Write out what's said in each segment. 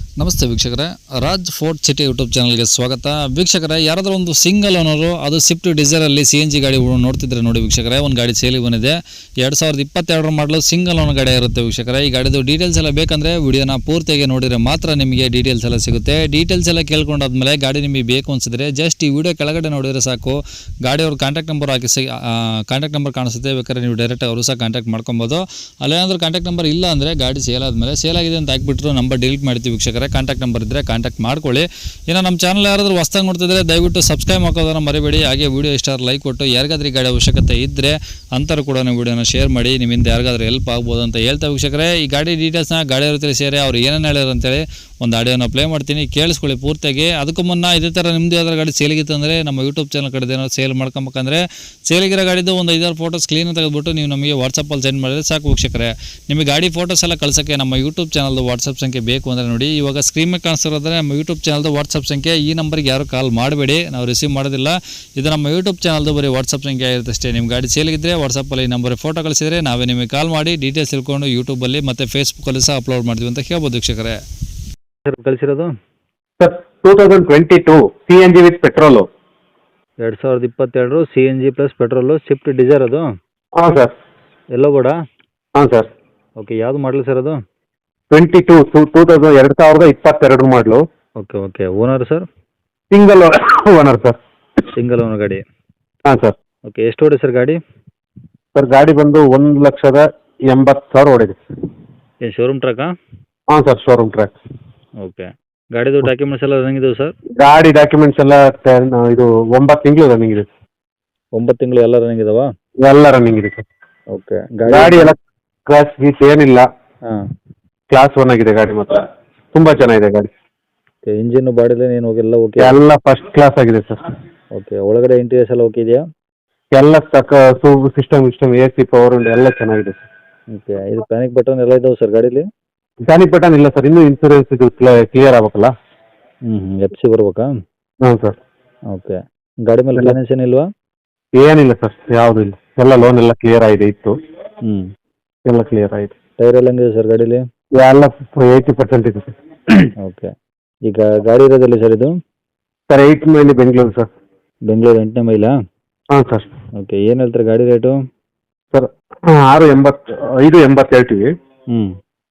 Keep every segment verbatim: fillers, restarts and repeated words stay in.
ನಮಸ್ತೆ ವೀಕ್ಷಕರೇ, Raj fort city YouTube ಚಾನಲ್ಗೆ ಸ್ವಾಗತ. ವೀಕ್ಷಕರೇ, ಯಾರಾದರೂ ಒಂದು ಸಿಂಗಲ್ ಓನರು ಅದು ಸ್ವಿಫ್ಟ್ ಡಿಸೈರಲ್ಲಿ ಸಿ ಎನ್ ಜಿ ಗಾಡಿ ನೋಡ್ತಿದ್ರೆ ನೋಡಿ ವೀಕ್ಷಕರೇ, ಒಂದು ಗಾಡಿ ಸೇಲಿಗೆ ಬಂದಿದೆ. ಎರಡು ಸಾವಿರದ ಇಪ್ಪತ್ತೆರಡರ ಮಾಡಲು ಸಿಂಗಲ್ ಓನರ್ ಗಾಡಿ ಇರುತ್ತೆ ವೀಕ್ಷಕರೇ. ಈ ಗಾಡಿದು ಡೀಟೇಲ್ಸ್ ಎಲ್ಲ ಬೇಕಂದರೆ ವಿಡಿಯೋನ ಪೂರ್ತಿಯಾಗಿ ನೋಡಿದರೆ ಮಾತ್ರ ನಿಮಗೆ ಡೀಟೇಲ್ಸ್ ಎಲ್ಲ ಸಿಗುತ್ತೆ. ಡೀಟೇಲ್ಸ್ ಎಲ್ಲ ಕೇಳ್ಕೊಂಡಾದ್ಮೇಲೆ ಗಾಡಿ ನಿಮಗೆ ಬೇಕು ಅನಿಸಿದ್ರೆ ಜಸ್ಟ್ ಈ ವಿಡಿಯೋ ಕೆಳಗಡೆ ನೋಡಿದರೆ ಸಾಕು. ಗಾಡಿಯವ್ರ ಕಾಂಟ್ಯಾಕ್ಟ್ ನಂಬರ್ ಹಾಕಿ ಕಾಂಟ್ಯಾಕ್ಟ್ ನಂಬರ್ ಕಾಣಿಸುತ್ತೆ, ಬೇಕಾದ್ರೆ ನೀವು ಡೈರೆಕ್ಟ್ ಅವರು ಸಹ ಕಾಂಟ್ಯಾಕ್ಟ್ ಮಾಡ್ಕೊಬೋದು. ಅಲ್ಲೇನಾದ್ರೂ ಕಾಂಟ್ಯಾಕ್ಟ್ ನಂಬರ್ ಇಲ್ಲ ಅಂದರೆ ಗಾಡಿ ಸೇಲ್ ಆದಮೇಲೆ ಸೇಲ್ ಆಗಿದೆ ಅಂತ ಹಾಕ್ಬಿಟ್ರು ನಂಬರ್ ಡಿಲೀಟ್ ಮಾಡ್ತೀವಿ ವೀಕ್ಷಕರೇ. ಕಾಂಟ್ಯಾಕ್ಟ್ ನಂಬರ್ ಇದ್ದರೆ ಕಾಂಟ್ಯಾಕ್ಟ್ ಮಾಡ್ಕೊಳ್ಳಿ. ಇನ್ನು ನಮ್ಮ ಚಾನಲ್ ಯಾರಾದರೂ ಹೊಸ್ದಾಗಿ ನೋಡ್ತಿದ್ರೆ ದಯವಿಟ್ಟು ಸಬ್ಸ್ಕ್ರೈಬ್ ಹಾಕೋದನ್ನು ಮರಿಬೇಡಿ. ಹಾಗೆ ವಿಡಿಯೋ ಇಷ್ಟ ಲೈಕ್ ಕೊಟ್ಟು ಯಾರಿಗಾದ್ರೂ ಈ ಗಾಡಿ ಅವಶ್ಯಕತೆ ಇದ್ದರೆ ಅಂಥವ್ರು ಕೂಡ ನೀವು ವಿಡಿಯೋನ ಶೇರ್ ಮಾಡಿ. ನಿಮ್ಮಿಂದ ಯಾರಿಗಾದ್ರೂ ಹೆಲ್ಪ್ ಆಗ್ಬೋದು ಅಂತ ಹೇಳ್ತಾ ವೀಕ್ಷಕರೇ, ಈ ಗಾಡಿ ಡೀಟೇಲ್ಸ್ನ ಗಾಡಿಯವ್ರ ಹತ್ರ ಸೇರಿ ಅವ್ರು ಏನೇನು ಹೇಳ್ಯಾರ ಅಂತೇಳಿ ಒಂದು ಆಡಿಯೋನ ಪ್ಲೇ ಮಾಡ್ತೀನಿ, ಕೇಳಿಸ್ಕೊಳ್ಳಿ ಪೂರ್ತಿಯಾಗಿ. ಅದಕ್ಕೂ ಮುನ್ನ ಇದೇ ಥರ ನಿಮ್ಮದು ಯಾವ್ದಾರು ಗಾಡಿ ಸೇಲಿಗಿತ್ತು ಅಂದರೆ ನಮ್ಮ ಯೂಟ್ಯೂಬ್ ಚಾನಲ್ ಕಡೆ ಏನಾದ್ರು ಸೇಲ್ ಮಾಡ್ಕೊಬೇಕಂದ್ರೆ ಸೇಲಿಗಿರೋ ಗಾಡಿದು ಒಂದು ಐದಾರು ಫೋಟೋಸ್ ಕ್ಲೀನ್ ತೆಗೆದುಬಿಟ್ಟು ನೀವು ನಮಗೆ ವಾಟ್ಸಪ್ಪಲ್ಲಿ ಸೆಂಡ್ ಮಾಡಿದ್ರೆ ಸಾಕು ವೀಕ್ಷಕರೇ. ನಿಮಗೆ ಗಾಡಿ ಫೋಟೋಸ್ ಎಲ್ಲ ಕಳ್ಸೋಕ್ಕೆ ನಮ್ಮ ಯೂಟ್ಯೂಬ್ ಚಾನಲ್ದು ವಾಟ್ಸಪ್ ಸಂಖ್ಯೆ ಬೇಕು ಅಂದರೆ ನೋಡಿ, ಇವಾಗ ಸ್ಕ್ರೀನ್ ಮೇಲೆ ಕಾಣಿಸ್ತಿರೋದ್ರೆ ನಮ್ಮ ಯೂಟ್ಯೂಬ್ ಚಾನಲ್ದು ವಾಟ್ಸಪ್ ಸಂಖ್ಯೆ. ಈ ನಂಬರ್ಗೆ ಯಾರು ಕಾಲ್ ಮಾಡಬೇಡಿ, ನಾವು ರಿಸೀವ್ ಮಾಡೋದಿಲ್ಲ. ಇದು ನಮ್ಮ ಯೂಟ್ಯೂಬ್ ಚಾನಲ್ದು ಬರೀ ವಾಟ್ಸಪ್ ಸಂಖ್ಯೆ ಆಗಿರುತ್ತೆ ಅಷ್ಟೇ. ನಿಮ್ಮ ಗಾಡಿ ಸೇಲಿಗಿದ್ರೆ ವಾಟ್ಸಪ್ಪಲ್ಲಿ ಈ ನಂಬರ್ ಫೋಟೋ ಕಳಿಸಿದರೆ ನಾವೇ ನಿಮಗೆ ಕಾಲ್ ಮಾಡಿ ಡೀಟೇಲ್ಸ್ ತಿಳ್ಕೊಂಡು ಯೂಟ್ಯೂಬಲ್ಲಿ ಮತ್ತು ಫೇಸ್ಬುಕ್ಕಲ್ಲಿ ಸಹ ಅಪ್ಲೋಡ್ ಮಾಡ್ತೀವಿ ಅಂತ ಹೇಳ್ಬೋದು ವೀಕ್ಷಕರೇ. ಸರ್ ಕಳಿಸಿರೋದು sir two thousand twenty two C N G with petrol. ಎರಡು ಸಾವಿರದ ಇಪ್ಪತ್ತೆರಡು C N G plus petrol Swift Dzire ಅದು. ಹಾಂ ಸರ್. ಎಲ್ಲೋ ಕೂಡ. ಹಾಂ ಸರ್. ಓಕೆ, ಯಾವುದು ಮಾಡಲಿ ಸರ್ ಅದು? Twenty two two two thousand ಎರಡು ಸಾವಿರದ ಇಪ್ಪತ್ತೆರಡು ಮಾಡಲು. Okay okay. Owner sir? Single owner sir. Single owner ಗಾಡಿ. ಹಾಂ ಸರ್. ಓಕೆ, ಎಷ್ಟು ಓಡಿ ಸರ್ ಗಾಡಿ? ಸರ್ ಗಾಡಿ ಬಂದು ಒಂದು ಲಕ್ಷದ ಎಂಬತ್ತು ಸಾವಿರ ಓಡಿದೆ. ಏನು ಶೋರೂಮ್ ಟ್ರಕ್ಕಾ? ಹಾಂ ಸರ್, ಶೋರೂಮ್ ಟ್ರ್ಯಾಕ್. ಓಕೆ, ಗಾಡಿದು ಡಾಕ್ಯುಮೆಂಟ್ಸ್ ಎಲ್ಲ ರನ್ನಿಂಗ್ ಇದಾವೆ ಸರ್? ಗಾಡಿ ಡಾಕ್ಯುಮೆಂಟ್ಸ್ ಎಲ್ಲ ಟೆನ್ ಇದು ಒಂಬತ್ತು ತಿಂಗಳು ರನ್ನಿಂಗ್ ಇದೆ. ಒಂಬತ್ತು ತಿಂಗಳು ಎಲ್ಲ ರನ್ನಿಂಗ್ ಇದಾವಾ? ಎಲ್ಲ ರನ್ನಿಂಗ್ ಇದೆ ಸರ್. ಓಕೆ, ಗಾಡಿ ಎಲ್ಲ ಕ್ಲಾಸ್ ಗೀಸ್ ಏನಿಲ್ಲ, ಹಾಂ ಕ್ಲಾಸ್ ಒನ್ ಆಗಿದೆ ಗಾಡಿ ಮಾತ್ರ. ತುಂಬ ಚೆನ್ನಾಗಿದೆ ಗಾಡಿ. ಓಕೆ, ಇಂಜಿನ್ನು ಬಾಡಿಲಿ ಏನು ಹೋಗಿಲ್ಲ? ಓಕೆ, ಎಲ್ಲ ಫಸ್ಟ್ ಕ್ಲಾಸ್ ಆಗಿದೆ ಸರ್. ಓಕೆ, ಒಳಗಡೆ ಇಂಟೀರಿಯರ್ಸ್ ಎಲ್ಲ ಓಕೆ ಇದೆಯಾ? ಎಲ್ಲ ತಕ್ಕ system system A C power ಉಂಟು, ಎಲ್ಲ ಚೆನ್ನಾಗಿದೆ ಸರ್. ಓಕೆ, ಇದು ಪ್ಯಾನಿಕ್ ಬಟನ್ ಎಲ್ಲ ಇದಾವೆ ಸರ್ ಗಾಡೀಲಿ? ಪ್ಯಾನಿಕ್ ಬಟನ್ ಇಲ್ಲ ಸರ್, ಇನ್ನೂ ಇನ್ಸೂರೆನ್ಸ್ ಇದು ಕ್ಲಿಯರ್ ಆಗ್ಬೇಕಲ್ಲ. ಹ್ಞೂ ಹ್ಞೂ ಎಫ್ ಸಿ ಬರ್ಬೇಕಾ? ಹಾಂ ಸರ್. ಓಕೆ, ಗಾಡಿ ಮೇಲೆ ಫೈನಾನ್ಸ್ ಏನಿಲ್ವಾ? ಏನಿಲ್ಲ ಸರ್, ಯಾವುದೂ ಇಲ್ಲ. ಎಲ್ಲ ಲೋನ್ ಎಲ್ಲ ಕ್ಲಿಯರ್ ಆಗಿದೆ ಇತ್ತು. ಹ್ಞೂ, ಎಲ್ಲ ಕ್ಲಿಯರ್ ಆಗಿದೆ. ಟೈರ್ ಎಲ್ಲ ಹೆಂಗಿದೆ ಸರ್ ಗಾಡೀಲಿ? ಎಲ್ಲ ಏಯ್ಟಿ ಪರ್ಸೆಂಟ್ ಇದೆ ಸರ್. ಓಕೆ, ಈಗ ಗಾಡಿ ಇರೋದಲ್ಲಿ ಸರ್ ಇದು? Sir eight mile Bengaluru sir. Bengaluru ಎಂಟನೇ ಮೈಲಾ? ಹಾಂ ಸರ್. ಓಕೆ, ಏನು ಹೇಳ್ತಾರೆ ಗಾಡಿ ರೇಟು? ಸರ್ ಆರು ಎಂಬತ್ತು ಐದು ಎಂಬತ್ತು ಹೇಳ್ತೀವಿ. ಹ್ಞೂ,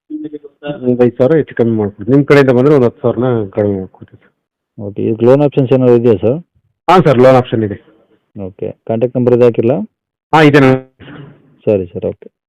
ಒಂದು ಐದು ಸಾವಿರ ಹೆಚ್ಚು ಕಮ್ಮಿ ಮಾಡ್ಕೊಡ್ತೀವಿ. ನಿಮ್ಮ ಕಡೆಯಿಂದ ಬಂದರೆ ಒಂದು ಹತ್ತು ಸಾವಿರನ ಕಡಿಮೆ ಮಾಡ್ಕೊಡ್ತೀವಿ ಸರ್. ಓಕೆ, ಈಗ ಲೋನ್ ಆಪ್ಷನ್ಸ್ ಏನಾದ್ರು ಇದೆಯಾ ಸರ್? ಹಾಂ ಸರ್, ಲೋನ್ ಆಪ್ಷನ್ ಇದೆ. ಓಕೆ, ಕಾಂಟ್ಯಾಕ್ಟ್ ನಂಬರ್ ಇದು ಹಾಕಿಲ್ಲ? ಹಾಂ ಇದೆ. ಸರಿ ಸರ್, ಓಕೆ.